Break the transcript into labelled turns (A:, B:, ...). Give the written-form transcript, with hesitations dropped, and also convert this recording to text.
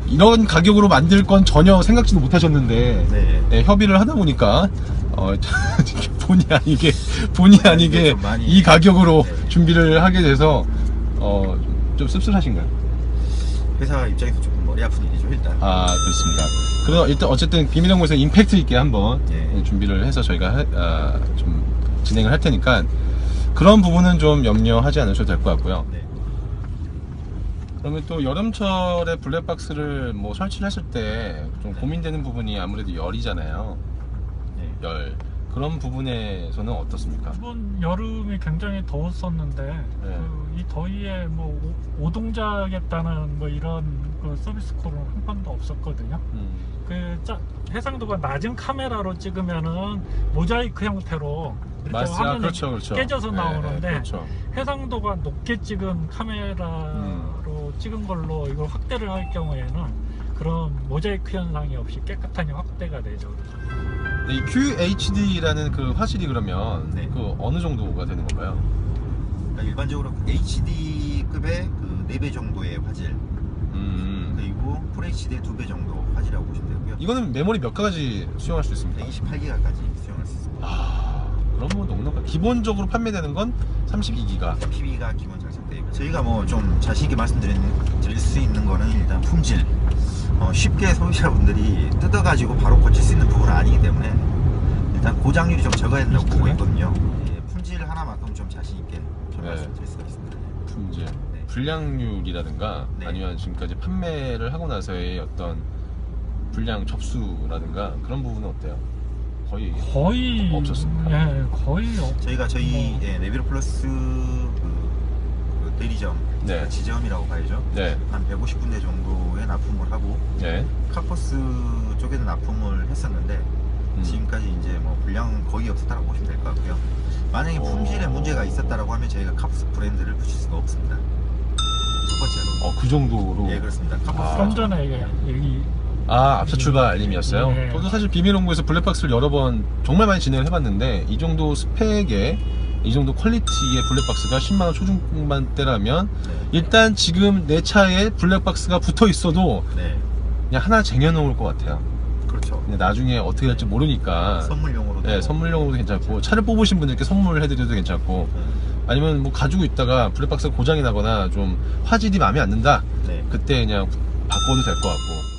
A: 이런 가격으로 만들 건 전혀 생각지도 못하셨는데
B: 네.
A: 네, 협의를 하다 보니까 본의 아니게
B: 많이
A: 이 가격으로
B: 네.
A: 준비를 하게 돼서 좀 씁쓸하신가요?
B: 회사 입장에서 조금 머리 아픈 일이죠 일단.
A: 아, 그렇습니다. 그래서 일단 어쨌든 비밀연구소에서 임팩트 있게 한번
B: 네.
A: 준비를 해서 저희가 좀 진행을 할 테니까 그런 부분은 좀 염려하지 않으셔도 될 것 같고요.
B: 네.
A: 그러면 또 여름철에 블랙박스를 뭐 설치를 했을 때 좀
B: 네.
A: 고민되는 부분이 아무래도 열이잖아요.
B: 네.
A: 열. 그런 부분에서는 어떻습니까?
C: 이번 여름이 굉장히 더웠었는데 이 더위에 뭐 오동자겠다는 뭐 이런 그 서비스 콜은 한 번도 없었거든요. 해상도가 낮은 카메라로 찍으면은 모자이크 형태로 이렇게 화면이
A: 그렇죠.
C: 깨져서 나오는데
A: 그렇죠.
C: 해상도가 높게 찍은 카메라로 찍은 걸로 이걸 확대를 할 경우에는 그런 모자이크 현상이 없이 깨끗하게 확대가 되죠.
A: 이 QHD라는 그 화질이 그러면
B: 네.
A: 그 어느 정도가 되는 건가요?
B: 그러니까 일반적으로 HD급의 그 4배 정도의 화질, 그리고 FHD의 2배 정도 화질이라고 보시면 되고요.
A: 이거는 메모리 몇 가지 수용할 수 있습니까?
B: 128기가까지 수용할 수 있습니다.
A: 그럼 뭐 넉넉한 기본적으로 판매되는 건 32기가.
B: PB가 기본 장착되어 있고 저희가 뭐 좀 자신있게 말씀드릴 수 있는 거는 일단 품질, 쉽게 소비자분들이 뜯어가지고 바로 고칠 수 있는 부분은 아니기 때문에 일단 고장률이 좀 적어야 된다고 보고 있거든요. 예, 품질 하나만큼 좀 자신있게 좀 말씀드릴 수가 있습니다.
A: 품질,
B: 네.
A: 불량률이라든가
B: 네.
A: 아니면 지금까지 판매를 하고 나서의 어떤 불량 접수라든가 그런 부분은 어때요? 거의 없었습니다.
C: 예, 거의
B: 저희가 네비로 플러스 그 대리점,
A: 네.
B: 지점이라고 봐야죠.
A: 네.
B: 한 150군데 정도에 납품을 하고
A: 네.
B: 카포스 쪽에도 납품을 했었는데 지금까지 이제 뭐 불량 거의 없었다고 보시면 될 것 같고요. 만약에 품질에 문제가 있었다라고 하면 저희가 카포스 브랜드를 붙일 수가 없습니다. 첫 번째로.
A: 그 정도로.
B: 예, 그렇습니다. 카포스.
C: 좀 전에 얘기
A: 앞서 출발 알림이었어요?
C: 네.
A: 저도 사실 비밀연구에서 블랙박스를 여러 번 정말 많이 진행을 해봤는데 이 정도 스펙에 이 정도 퀄리티의 블랙박스가 10만원 초중반대라면
B: 네.
A: 일단 지금 내 차에 블랙박스가 붙어 있어도
B: 네.
A: 그냥 하나 쟁여놓을 것 같아요.
B: 그렇죠.
A: 근데 나중에 어떻게 될지 모르니까
B: 선물용으로도.
A: 네, 선물용으로도 괜찮고 차를 뽑으신 분들께 선물해드려도 괜찮고 아니면 뭐 가지고 있다가 블랙박스가 고장이 나거나 좀 화질이 마음에 안 든다
B: 네.
A: 그때 그냥 바꿔도 될 것 같고